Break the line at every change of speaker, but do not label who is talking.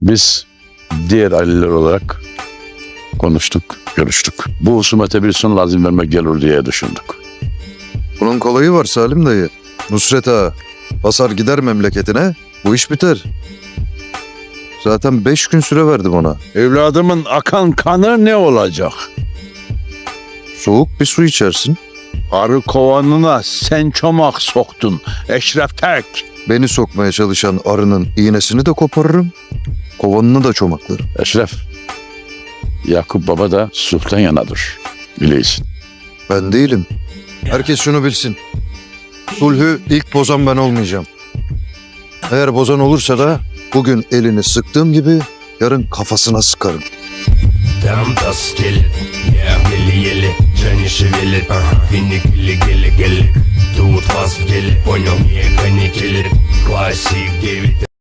Biz diğer aileler olarak konuştuk, görüştük. Bu husumete bir son lazım vermek gelir diye düşündük.
Bunun kolayı var Salim dayı. Nusret ağa basar gider memleketine, bu iş biter. Zaten 5 gün süre verdim ona.
Evladımın akan kanı ne olacak?
Soğuk bir su içersin.
Arı kovanına sen çomak soktun Eşref Terk.
Beni sokmaya çalışan arının iğnesini de koparırım. Kovanını da çomaklarım.
Eşref, Yakup Baba da sulhtan yanadır. Bileysin.
Ben değilim. Herkes şunu bilsin. Sulhü ilk bozan ben olmayacağım. Eğer bozan olursa da bugün elini sıktığım gibi yarın kafasına sıkarım.
Там тоскелет, я еле-еле, же не шевелит, финик гели-гели-гели. Тут вас в деле, понял, не канителит, классик 9.